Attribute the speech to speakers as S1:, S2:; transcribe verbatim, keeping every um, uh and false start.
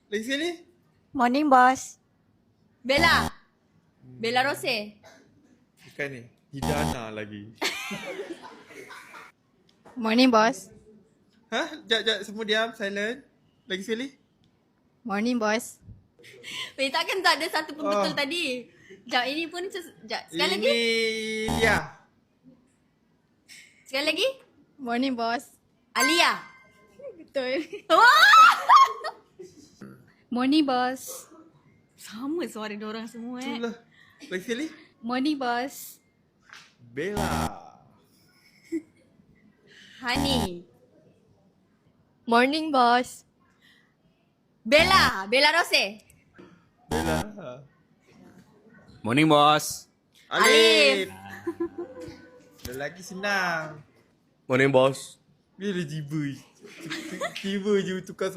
S1: Lagi sekali.
S2: Morning, boss.
S3: Bella. Bella Rose.
S1: Bukan ni. Hidana lagi.
S2: Morning, boss.
S1: Ha? Jap, jap. Semua diam. Silent. Lagi sekali.
S2: Morning, boss.
S3: Weh, takkan tak ada satu pun betul
S1: Oh.
S3: tadi. Sekejap, ini pun ses- sekejap. Sekali
S1: Ini
S3: lagi.
S1: Lia.
S3: Sekali lagi.
S2: Morning, boss.
S3: Alia.
S2: Betul.
S3: Wah!
S2: Morning, boss.
S3: Sama suara diorang semua eh.
S1: Itulah. Lagi sekali.
S2: Morning, boss.
S1: Bella.
S3: Hani.
S2: Morning, boss.
S3: Bella. Bella Rose.
S1: Bella.
S4: Morning, boss.
S1: Alif. Lelaki senang.
S4: Morning, boss.
S1: Bila jiba. Tiba je tukar